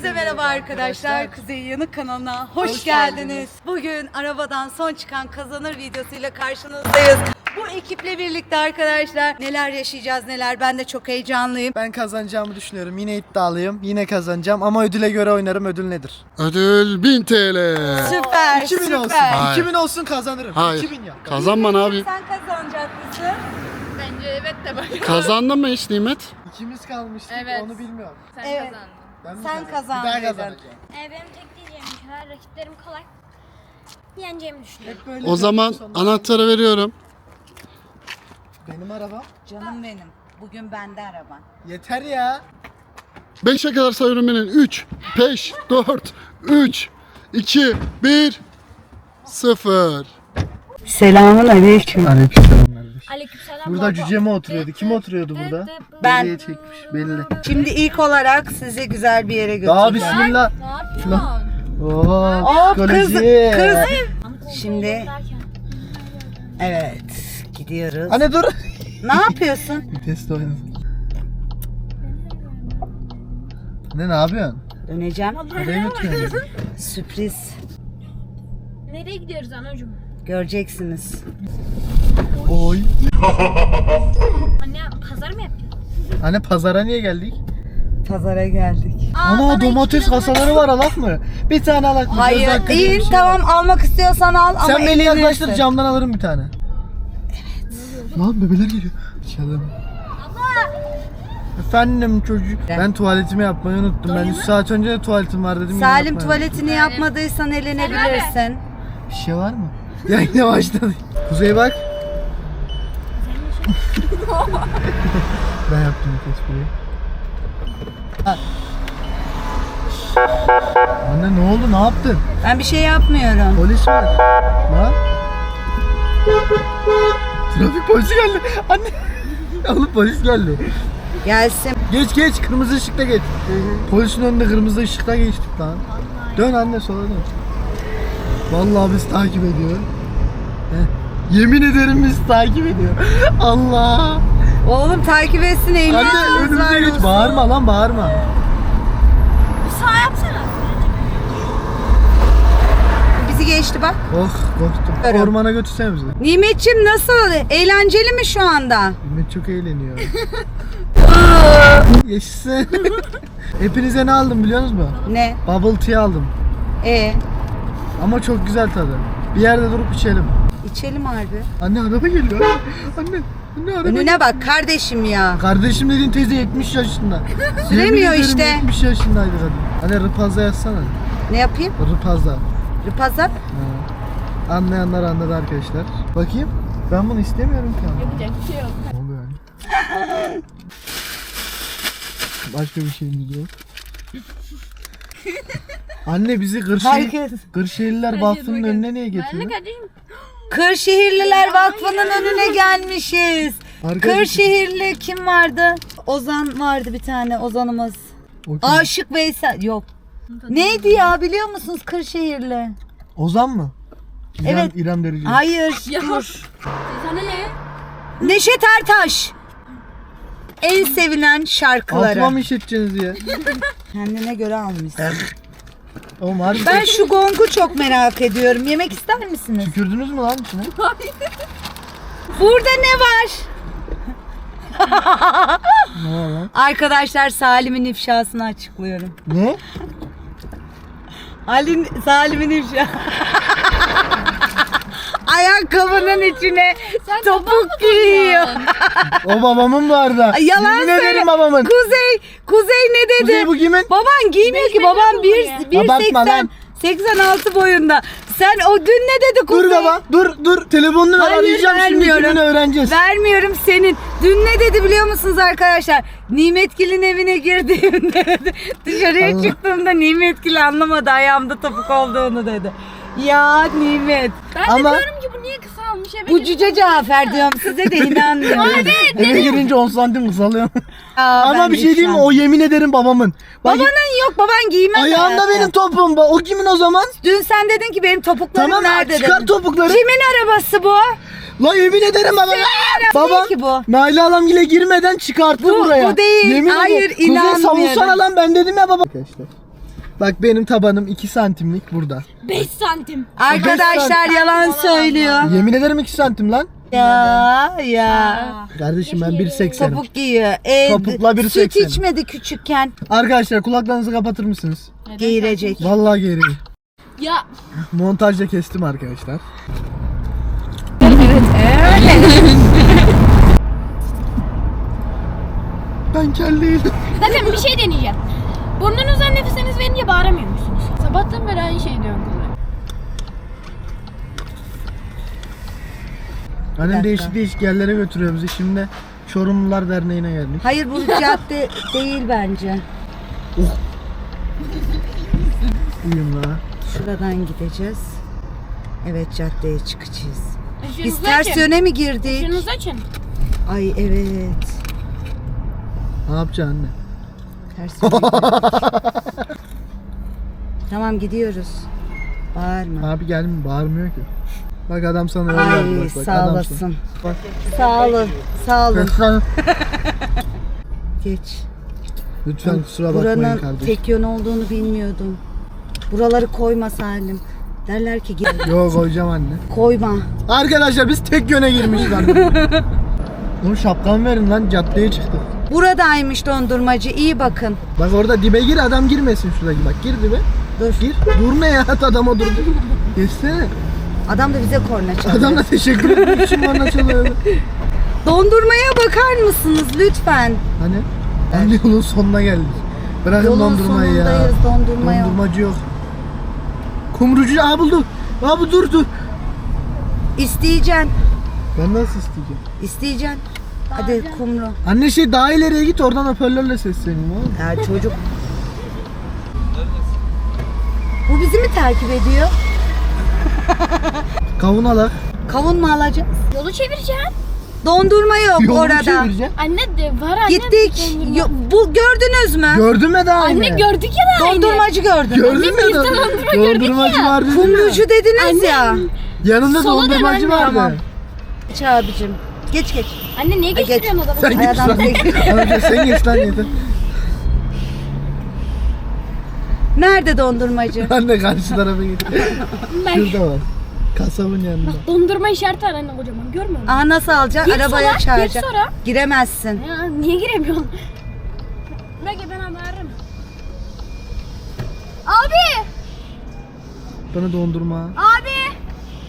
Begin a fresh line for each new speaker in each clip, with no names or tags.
Herkese merhaba arkadaşlar. Kuzey Yanık kanalına hoş geldiniz. Bugün arabadan son çıkan kazanır videosuyla karşınızdayız. Bu ekiple birlikte arkadaşlar neler yaşayacağız neler, ben de çok heyecanlıyım.
Ben kazanacağımı düşünüyorum. Yine iddialıyım. Yine kazanacağım ama ödüle göre oynarım. Ödül nedir?
Ödül 1000 TL.
Süper
2000
süper.
olsun.
Hayır.
2000 olsun kazanırım.
Hayır.
2000 ya.
Kazanma ne yapayım?
Sen kazanacak mısın?
Bence evet de bakalım.
Kazandın mı hiç Nimet?
İkimiz kalmıştık.
Evet.
Onu bilmiyorum.
Sen
Evet.
kazandın.
Ben mi
Sen
kazandım?
kazandın.
Ben kazanacağım.
Benim tek diyeceğim şeyler rakiplerim kolay. Yeneceğimi düşünüyorum.
Hep böyle
O zaman
sonunda-
anahtarı veriyorum.
Benim araba.
Canım benim. Bugün bende araban.
Yeter ya.
5'e kadar sayıyorum benim. 3, 5, 4, 3, 2, 1, 0.
Selamun aleyküm.
Aleykümselam kardeş.
Aleykümselam.
Burada cüce mi oturuyordu? Kim oturuyordu burada?
Ben.
Belliye çekmiş belli.
Şimdi ilk olarak sizi güzel bir yere
Daha
götüreceğim.
bismillah.
Ne yapıyorsun?
Oo,
Hop kız,
psikoloji.
kız. Şimdi evet gidiyoruz.
Anne dur.
Ne yapıyorsun?
Test oynasın. Ne yapıyorsun?
Döneceğim.
Nereye götürüyorsun?
Sürpriz.
Nereye gidiyoruz anacığım?
Göreceksiniz.
Oy.
Anne pazar mı yapacağız?
Anne pazara niye geldik?
Pazara geldik.
Ana domates kasaları var, alak mı? Bir tane alak mı? Göz
Hayır
hakkı diye
değil,
bir şey
tamam
var.
almak istiyorsan al ama
Sen beni
eğlenirsin.
yaklaştır, camdan alırım bir tane. Evet. Lan bebeler geliyor. Çalım. Efendim çocuk. Ben tuvaletimi yapmayı unuttum. Ben 3 saat önce de tuvaletim var dedim. yine
Salim
yapmayı
tuvaletini yapmadıysan elenebilirsin.
unuttum. Bir şey var mı? Ya yine başladı. Kuzey bak. Ben yaptım bu espriyi. Anne ne oldu? Ne yaptın?
Ben bir şey yapmıyorum.
Polis var. Lan. Trafik polisi geldi. Anne. Oğlum polis geldi.
Gelsin.
Geç kırmızı ışıkta geç. Polisin önünde kırmızı ışıkta geçtik lan. Dön anne sola dön. Vallahi biz takip ediyor. Heh. Yemin ederim biz takip ediyor. Allah.
Oğlum takip etsin
Anne
ehliyetiniz
önümüze
var
geç.
olsun.
Bağırma lan bağırma.
Bir sağ yapsana.
Bizi geçti bak.
Oh korktum.
Görüyorum.
Ormana götürsene bizi.
Nimetçim nasıl? Eğlenceli mi şu anda?
Ümit çok eğleniyor. Yaşasın. Hepinize ne aldım biliyor musunuz?
Ne?
Bubble tea aldım. Ama çok güzel tadı. Bir yerde durup içelim.
İçelim harbi.
Anne araba geliyor. Anne araba.
Önüne bak kardeşim ya.
Kardeşim dediğin teyze 70 yaşında.
Süremiyor
Yemin ederim
işte.
70 yaşındaydı kadın. Anne rıpaza yazsana.
Ne yapayım?
Rıpaza.
Rıpazap.
Ha. Anlayanlar anladı arkadaşlar. Bakayım. Ben bunu istemiyorum ki ama.
Yapacak bir şey yok.
Ne oluyor yani? Başka bir şeyimiz yok. Anne bizi
Herkes.
Kırşehirliler Vakfı'nın önüne niye
Ben de
getiriyor?
kardeşim.
Kırşehirliler Vakfı'nın önüne gelmişiz.
Arkadaşlar-
Kırşehirli kim vardı? Ozan vardı bir tane Ozanımız.
O kim?
Aşık Veysel. Yok. Neydi ya biliyor musunuz Kırşehirli?
Ozan mı?
Evet.
İrem Derici.
Hayır dur.
Sana ne?
Neşet Ertaş. En sevilen şarkıları.
Altıma mı işleteceksiniz ya?
Kendine göre almışsın.
Oğlum harbi
Ben şu gongu çok merak ediyorum. Yemek ister misiniz?
tükürdünüz mü lan içine?
Burada ne var?
Ne var lan?
Arkadaşlar Salim'in ifşasını açıklıyorum.
Ne?
Salim'in ifşa. Ayakkabının içine topuk giyiyor.
O babamın vardı.
Yalan
Yemin
söyle.
ederim babamın.
Kuzey ne dedi?
Kuzey bu kimin?
Baban giymiyor ki. Babam 1.80
Abartma lan.
86 boyunda. Sen o dün ne dedi Kuzey?
Dur baba dur telefonunu ver,
Hayır,
arayacağım şimdi
vermiyorum.
kimini öğreneceğiz.
Vermiyorum senin. Dün ne dedi biliyor musunuz arkadaşlar? Nimetgil'in evine girdiğimde dedi. Dışarıya
Allah.
çıktığımda Nimetgil anlamadı ayağımda topuk olduğunu dedi. Ya Nimet.
Ben
Ama-
de diyorum ki bu niye kısa almış eve
Bu Cüce Cafer diyorum size de inanmıyorum.
Eve girince 10 santim kısalıyor.
Aa,
Ama
ben
bir şey diyeyim mi?
ifşam.
O yemin ederim babamın. Bak,
Babanın yok baban giymez.
ayağımda
hayatım.
benim topum. O kimin o zaman?
Dün sen dedin ki benim topuklarım
Tamam
nerede
çıkar
dedin.
topukları.
Kimin arabası bu?
La yemin ederim baba. Baba
Değil ki bu.
Nail Alamgil'e girmeden çıkarttı
Bu-
buraya.
bu değil.
Yemin
Hayır,
ederim. Kuzey
inanmıyorum.
savunsana lan ben dedim ya baba. Arkadaşlar Bak benim tabanım 2 santimlik burada.
5 santim.
Arkadaşlar yalan söylüyor.
Yemin ederim 2 santim lan.
Ya.
Kardeşim ben 1.80'im.
Topuk giyiyor.
Topukla 1.80.
Süt içmedi küçükken.
Arkadaşlar kulaklarınızı kapatır mısınız?
Geğirecek.
Vallahi gereği.
Ya
Montajda kestim arkadaşlar. Ben kelleyim.
zaten bir şey deneyeceğim. Burnunuzdan nefesiniz verince bağıramıyor musunuz?
Sabahtan beri aynı şeyi diyorum kızlar.
Annem değişik değişik yerlere götürüyor bizi. Şimdi Çorumlular Derneği'ne geldik.
Hayır bu cadde değil bence.
Uyum la.
Şuradan gideceğiz. Evet caddeye çıkacağız. Biz
Işığınızı
ters
açın.
yöne mi girdik?
Işığınızı açın.
Ay evet.
Ne yapacaksın anne?
Ters yöne girdik. Tamam gidiyoruz. Bağırma.
Abi gelme bağırmıyor ki. Bak adam sana öyle
Ay
yapıyor, bak,
sağ
adam
olasın.
sana. Bak.
Sağ olun. Sağ olun.
Lütfen,
Geç.
lütfen kusura bakmayın
Buranın
kardeşim.
tek yön olduğunu bilmiyordum. Buraları koyma Salim. Derler ki gel.
Yo koyacağım anne.
Koyma.
Arkadaşlar biz tek yöne girmişiz anne. Oğlum şapkamı verin lan caddeye çıktık.
Buradaymış dondurmacı. İyi bakın.
Bak orada dibe gir adam girmesin şuradaki bak gir dibe.
Dur.
Gir. Dur ne ya adam o durdu. Geçsene.
Adam da bize korna çalıyor.
Adam da teşekkür etmek için bana çalıyor.
Dondurmaya bakar mısınız lütfen?
Hani? Anne yolun sonuna geldik. Bırakın
Yolun
dondurmayı ya.
sonundayız, dondurma yok.
Dondurmacı yok. Kumrucu aa bulduk. Abi dur.
İsteyeceksin.
Ben nasıl isteyeceğim?
İsteyeceksin. Hadi kumru.
Anne şey daha ileriye git oradan hoparlörle sesleneyim oğlum.
Ya çocuk. Bu bizi mi takip ediyor?
Kavun alak.
Kavun mu alacağız?
Yolu çevireceğim.
Dondurma yok
Yolunu
orada.
çevireceğim.
Anne de var anne.
Gittik.
Dondurma.
Bu gördünüz mü?
Gördün mü daha
Anne gördük ya da
Dondurmacı gördüm.
Gördün mü?
biz de dondurma gördük
Dondurmacı
ya.
var dedin
Kumrucu
ya.
dediniz ya.
Yanında
Sola dön
dondurmacı
anne.
vardı.
Tamam. Geç abicim. Geç.
Anne niye
geç.
geçiriyorsun adamı?
Sen
Ay,
geç
adam
lan.
bekliyor.
Amca sen geç lan yeter.
Nerede dondurmacı?
Anne karşı tarafa git. Şurada var. Kasabın yanında.
Dondurma işareti var anne kocaman görmüyor musun?
Aa nasıl alacaksın?
Gir
Arabaya
sola, gir
çağıracaksın.
sonra.
Giremezsin.
Ya niye giremiyorsun? Belki ben haberim. Abi!
Bana dondurma.
Abi!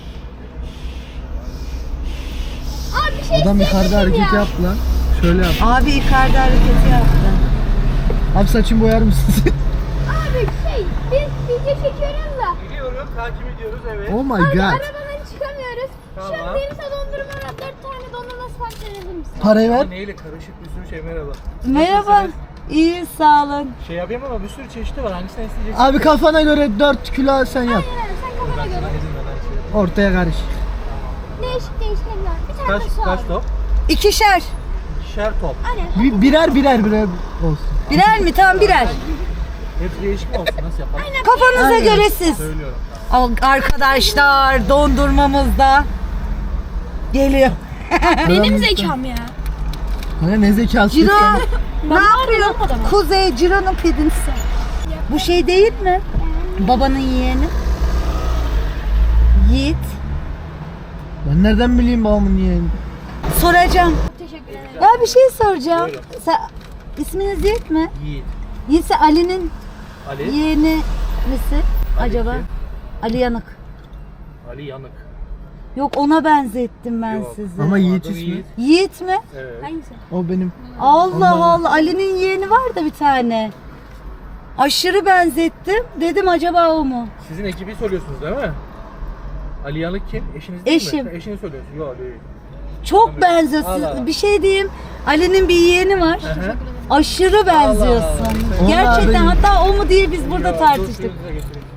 Abi bir şey
Adam yukarıda
isteyeceğim
hareket
ya.
yaptı lan. Şöyle yap.
Abi yukarıda hareketi yaptı.
Abi saçımı boyar mısın?
Abi biz video çekiyoruz da.
Gidiyoruz, takip ediyoruz evet.
Oh my
Abi
god.
arabadan çıkamıyoruz. Şu an
Tamam.
benim sana dondurma var. 4 tane dondurma sipariş edebilir misin?
Parayı ver.
Neyle karışık bir sürü şey merhaba.
Merhaba. İyi sağ olun.
Şey yapayım ama bir sürü çeşidi var. Hangisini isteyeceksin?
Abi kafana göre 4 kilo sen yap.
Aynen sen kafana göre.
İzin ver her şeyi.
Ortaya karış.
Değişik değişik eller. Bir tane
Kaç,
de su
kaç
al.
top?
İkişer.
İkişer top.
Aynen.
Birer olsun.
Birer mi? Tamam birer.
Hepsi değişik mi olsun? Nasıl yapalım?
Kafanıza
Aynen.
göre siz.
Söylüyorum.
Arkadaşlar dondurmamız da geliyor.
Benim zekam ya.
Hani ne zekası?
Ciro ne
Ben
yapıyor?
bağırıyorum adama.
Kuzey Ciro'nun pedinsi. Bu şey değil mi? Babanın yeğeni. Yiğit.
Ben nereden bileyim babamın yeğeni?
Soracağım.
Teşekkür ederim.
Ya bir şey soracağım. İsminiz Yiğit mi?
Yiğit.
Yiğitse Ali'nin
Ali.
yeğeni misin acaba?
kim?
Ali Yanık.
Ali Yanık.
Yok ona benzettim ben
Yok.
sizi.
Ama Yiğit
Adım
ismi.
Yiğit mi?
Evet.
Hangisi?
O benim.
Allah
Allah.
Allah. Ali'nin yeğeni var da bir tane. Aşırı benzettim. Dedim acaba o mu?
Sizin ekibi soruyorsunuz değil mi? Ali Yanık kim? Eşiniz değil
Eşim.
mi? Eşini söylüyorsun. Yok değil.
Çok
Tabii.
benziyor.
Allah Allah.
Bir şey diyeyim. Ali'nin bir yeğeni var.
Hı hı.
Aşırı benziyorsun.
Allah.
Gerçekten
Onlar
hatta o mu diye biz burada
Yok,
tartıştık.
dur, suyunuza getireyim.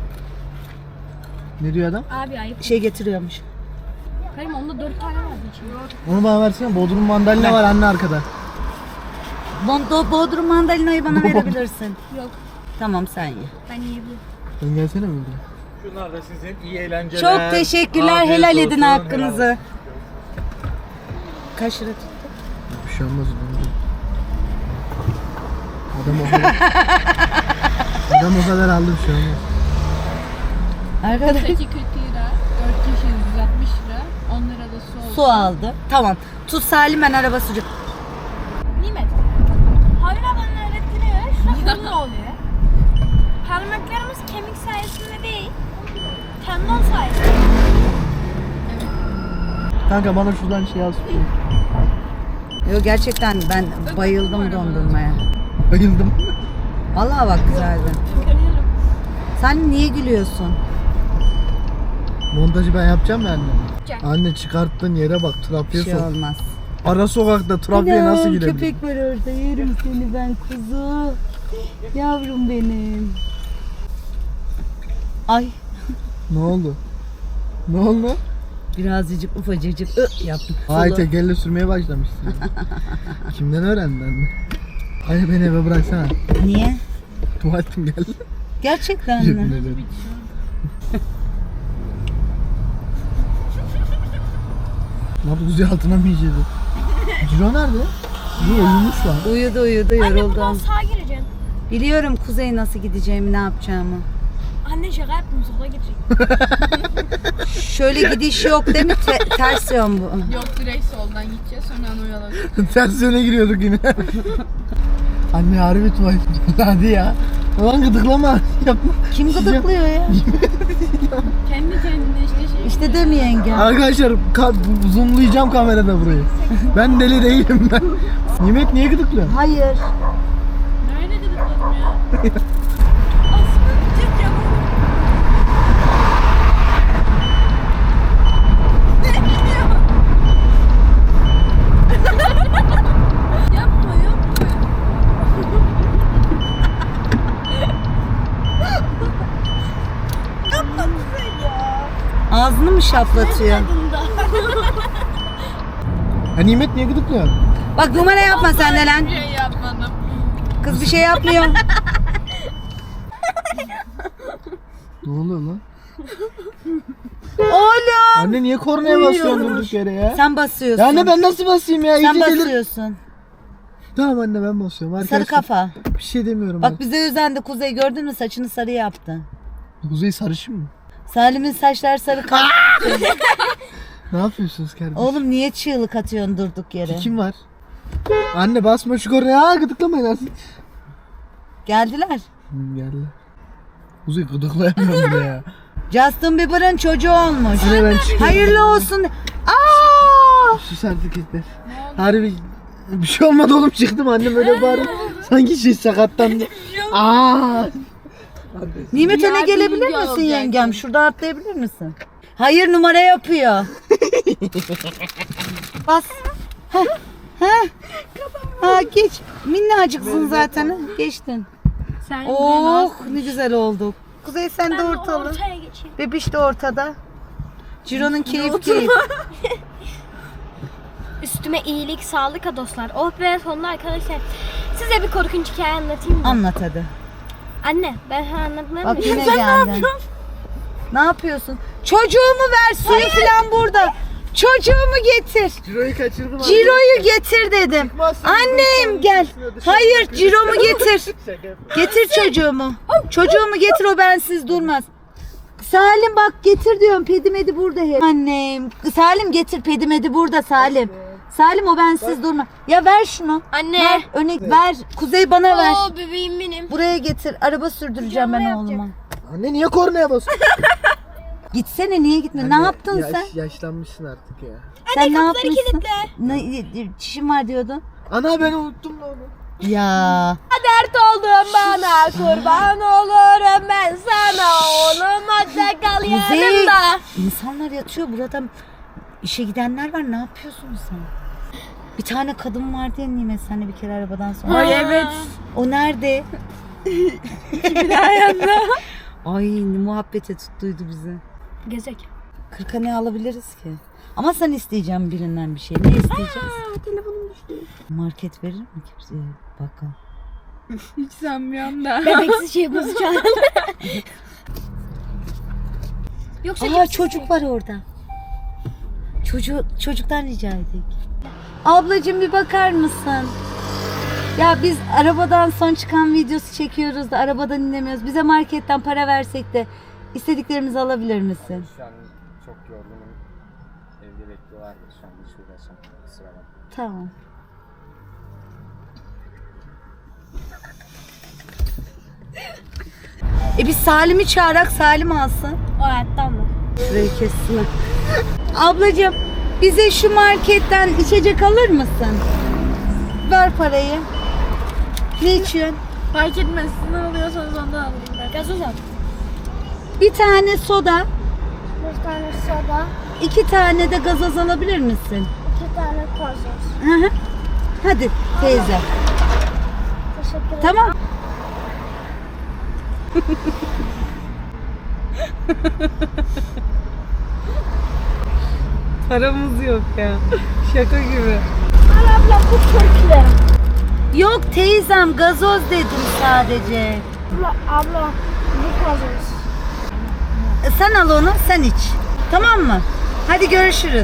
Ne diyor adam?
Abi ayıp.
Şey getiriyormuş.
Hayır onda 4 tane vardı içinde.
Onu bana versene. Bodrum mandalina var anne arkada.
Bodrum mandalinayı bana verebilirsin.
Yok.
Tamam sen ye.
Ben yiyebilirim.
Sen gelsene mi buraya?
Şunlar da sizin iyi eğlenceler.
Çok teşekkürler.
Afiyet
Helal
olsun,
edin
helal
hakkınızı.
olsun.
Kaç lira tuttu?
Bir şey olmaz. Adam o kadar. Ben o kadar aldım şu an.
Arkadaş
2 40 lira, 4 kişi 160 lira, 10 lira da su oldu.
su aldı. Tamam. Tut Salim, ben araba süreceğim.
Nimet. Hayır bana öğrettiriyor. Şurada ne oluyor? Parmaklarımız kemik sayesinde değil, tendon sayesinde.
Kanka bana şuradan şey al.
Yok gerçekten ben bayıldım dondurmaya.
Bayıldım.
Vallahi bak güzeldi. Sen niye gülüyorsun?
Montajı ben yapacağım ya anne.
Yapacak.
Anne çıkarttığın yere bak,
Bir
trafiğe
şey
sok.
olmaz.
Ara sokakta trafiğe nasıl girebilir?
Köpek var orada. Yerim seni ben kuzu. Yavrum benim. Ay
Ne oldu? Ne oldu?
birazcık ufacıcık yaptım.
Ay
Solu.
tekerle sürmeye başlamışsın. Kimden öğrendin anne? Anne beni eve bıraksana.
Niye?
Tuvaletim geldi.
Gerçekten
Yemin
mi?
ederim. Ne yaptı? Kuzey altına mı yiyeceğiz? Ciro nerede? Ciro uyumuş lan.
Uyudu
Anne buradan
yoruldum.
sağa gireceksin.
Biliyorum Kuzey nasıl gideceğimi, ne yapacağımı.
Anne şaka yaptım, sola girecek.
Şöyle gidiş yok değil mi? Ters yön bu.
Yok direkt soldan gideceğiz sonra onu alacağız.
Ters yöne giriyorduk yine. Anne harbi tuvalet. Hadi ya. Ulan gıdıklama. Yapma.
Kim gıdıklıyor ya?
Kendi kendine işte şey.
İşte demiyor yengem.
Arkadaşlar zoomlayacağım kamerada burayı. Ben deli değilim ben. Nimet niye gıdıklıyorsun?
Hayır.
Nerede gıdıkladım ya?
Aslında gidecek ya. Yapma yapma. Yapma güzel ya.
Ağzını mı şaplatıyor?
Ha Nimet niye gıdıklıyorsun?
Bak numara yapma sen de lan.
Bir şey yapmadım.
Kız bir şey yapmıyor.
Ne oluyor lan?
Oğlum.
Anne niye kornaya basıyorsun durduk yere ya?
Sen basıyorsun.
Ya anne ben nasıl basayım ya?
Sen
İyice delir-
basıyorsun.
Tamam anne ben basıyorum.
Sarı
Arkadaşlar,
kafa.
bir şey demiyorum.
Bak bize özendi Kuzey, gördün mü saçını sarı yaptı.
Kuzey sarışın mı?
Salim'in saçları sarı kaldı.
Ne yapıyorsunuz kardeşim?
Oğlum niye çığlık atıyorsun durduk yere?
Kim var? Anne basma şu kornaya. Aa gıdıklamayın artık.
Geldiler.
Geldi. Kuzey gıdıklayamıyorum bile ya.
Justin Bieber'ın çocuğu olmuş.
Anne ben çıkıyorum.
Hayırlı olsun. Aa!
Sus artık yeter. Harbi bir şey olmadı oğlum, çıktım annem öyle bağırıyor. Sanki şey sakatlandı. Aa!
Nimet öne
Yardımcı
gelebilir misin
olacaksın.
yengem? Şuradan atlayabilir misin? Hayır numara yapıyor. Bas. Heh. Heh. Ha geç. Minnacıksın zaten. Ha, geçtin.
Sen
Oh ne güzel olduk. Kuzey sen de
Ben de
ortalı.
ortaya geçeyim.
Bebiş de ortada. Ciro'nun keyif keyif.
Üstüme iyilik, sağlık ha dostlar. Oh be sonunda arkadaşlar. Size bir korkunç hikaye anlatayım mı?
Anlat hadi.
Anne ben sana anlatmam
Bak
mı?
yine geldin. Ne yapıyorsun? Çocuğumu ver, suyu falan burada. Çocuğumu getir.
Ciro'yu kaçırdım anne.
Ciro'yu getir dedim. Annem gel. Hayır Ciro'mu getir. Getir çocuğumu. Çocuğumu getir, o bensiz durmaz. Salim bak getir diyorum, pedimedi burada hep. Annem. Salim getir, pedimedi burada Salim. Salim o bensiz durma. Ya ver şunu.
Anne.
Ver öne ver. Kuzey bana ver.
Oo bebeğim benim.
Buraya getir. Araba sürdüreceğim ben
Canlı
oğluma.
Anne niye kornaya basıyorsun?
Gitsene, niye gitme? Ne yaptın sen?
Yaşlanmışsın artık ya.
Sen ne
kapıları
yapmışsın?
kilitle.
Ne, çişim var diyordun.
Ana ben unuttum lan onu.
Ya.
Dert oldun bana, kurban olurum ben sana. Oğlum hadi kal
Kuzey.
yanımda.
İnsanlar yatıyor burada. İşe gidenler var. Ne yapıyorsun sen? Bir tane kadın vardı ya Nimet, senle bir kere arabadan sonra.
Ay evet.
O nerede? Ay ne muhabbete tuttuydu bizi.
Gezek.
40'a ne alabiliriz ki? Ama sen isteyeceğim birinden bir şey. Ne isteyeceğiz?
Telefonum düştü.
Market verir mi kimse? Bakalım.
Hiç sanmıyorum da.
Bebeksiz şey bozacağım. Yoksa
Aa çocuk var orada. Çocuktan rica edik. Ablacığım bir bakar mısın? Ya biz arabadan son çıkan videosu çekiyoruz da arabadan inemiyoruz. Bize marketten para versek de istediklerimizi alabilir misin?
Şu an çok yorgunum. Evde bekliyorlardı. Şu an hiç uğraşamam. Kusura bakma.
Tamam. Biz Salim'i çağırak Salim alsın.
O hayatta mı?
Şurayı kessinler. Ablacığım bize şu marketten içecek alır mısın? Ver parayı. Ne içiyorsun?
Fark etmez. Siz ne alıyorsanız ondan alayım ben.
Gazoz al.
Bir tane soda,
Bir tane soda,
2 tane de gazoz alabilir misin?
2 tane gazoz.
Hı hı. Hadi teyze.
Teşekkür ederim.
Tamam. Paramız yok ya. Şaka gibi.
Abla bu Türkler.
Yok teyzem gazoz dedim sadece.
Abla bu gazoz.
Sen al onu, sen iç. Tamam mı? Hadi görüşürüz.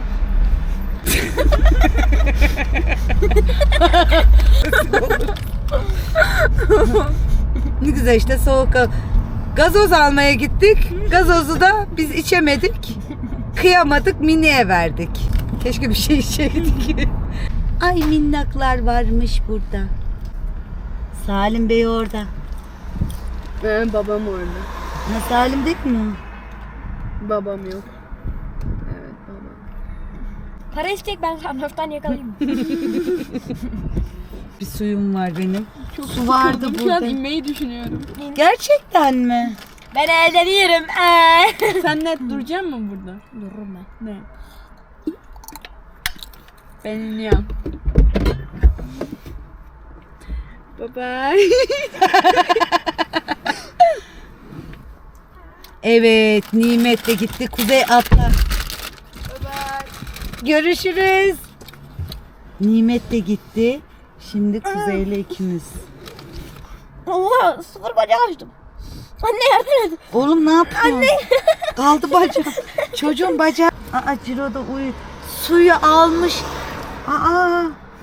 Ne güzel işte soğuk. Gazoz almaya gittik. Gazozu da biz içemedik. Kıyamadık, Mini'ye verdik. Keşke bir şey içeydik. Ay minnaklar varmış burada. Salim Bey orada.
Babam orada.
Ha, Salim değil mi o?
Babam yok. Evet babam.
Para istek ben sanattan yakalayayım.
Bir suyum var benim.
Çok
Su vardı
sıkıldım. Şu
burada.
an inmeyi düşünüyorum.
Gerçekten mi?
Ben evde değilim.
Sen net duracak mısın burada?
Dururum ben.
Ne? Ben iniyorum. Bye bye.
Evet, Nimet de gitti. Kuzey atla. Görüşürüz. Nimet de gitti. Şimdi Kuzey'le ikimiz.
Allah sıfır bacak açtım. Anne yardım et.
Oğlum ne yapıyorsun? Anne. Kaldı bacak. Çocuğun bacağı. Aa Ciro da uyu. Suyu almış. Aa.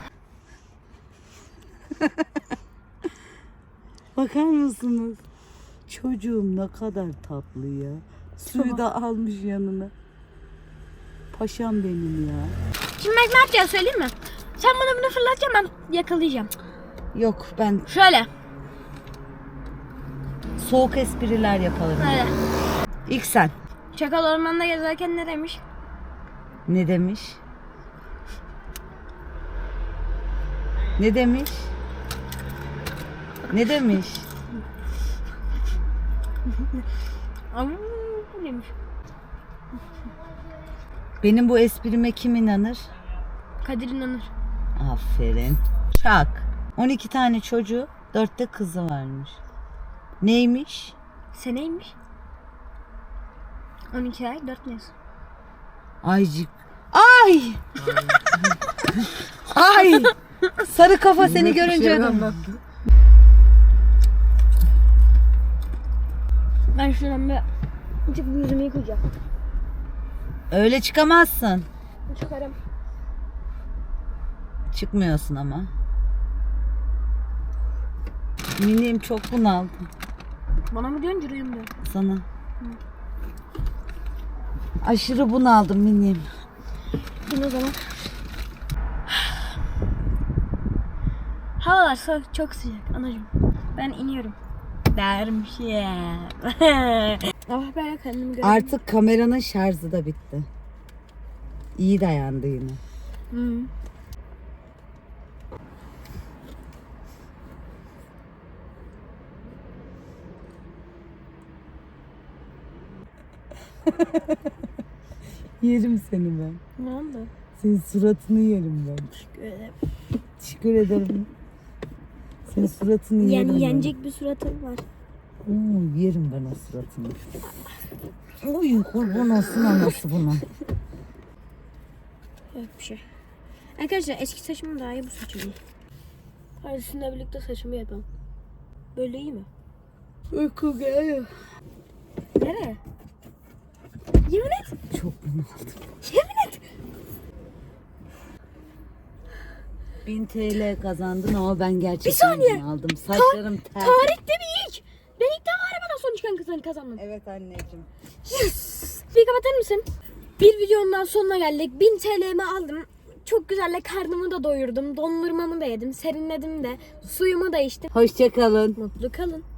Bakar mısınız? Çocuğum ne kadar tatlı ya. Suyu da almış yanına. Paşam benim ya.
Şimdi ben ne yapacağız söyleyeyim mi? Sen bana bunu fırlatacaksın ben yakalayacağım.
Yok ben
Şöyle.
soğuk espriler yapalım.
Öyle.
İlk sen.
Çakal ormanda gezerken ne demiş?
Ne demiş? Ne demiş? Ne demiş?
Bu demiş.
Benim bu esprime kim inanır?
Kadir inanır.
Aferin. Çak. 12 tane çocuğu, 4 de kızı varmış. Neymiş?
Seneymiş. 12 ay 4 mes.
Aycık. Ay! Ay! Sarı kafa seni görünce.
Ben şuradan bir çıkıp yüzümü yıkayacağım.
Öyle çıkamazsın.
Çıkarım.
Çıkmıyorsun ama. Minim çok bunaldım
Bana mı diyorsun Cüreyim diyor.
sana. Aşırı bunaldım minim.
Dur o zaman. Havalar çok sıcak anacığım. Ben iniyorum. Dermiş ya. Ah ben kendimi görüyorum.
Artık kameranın şarjı da bitti. İyi dayandı yine.
Hı.
Yerim seni ben.
Ne oldu?
Senin suratını yerim ben.
Öyle.
Teşekkür ederim. Senin suratını yerim ben.
Yenecek bir suratım var.
Yerim ben o suratını. Oy kurban olsun anası buna.
Yok bir şey. Arkadaşlar eski saçım daha iyi bu saçım iyi. Hadi sizinle birlikte saçımı yapalım. Böyle iyi mi?
Uyku geliyor.
Nereye? Yemin et.
Çok bunaldım.
Yemin et.
1000 TL kazandın ama ben gerçekten
Bir saniye.
aldım. Saçlarım ter.
Tarihte bir ilk. Ben ilk defa arabadan son çıkan kazandım.
Evet anneciğim.
Yes. Bir kapatır mısın? Bir videonun daha sonuna geldik. 1000 TL'mi aldım. Çok güzel karnımı da doyurdum. Dondurmamı da yedim. Serinledim de. Suyumu da içtim.
Hoşça kalın.
Mutlu kalın.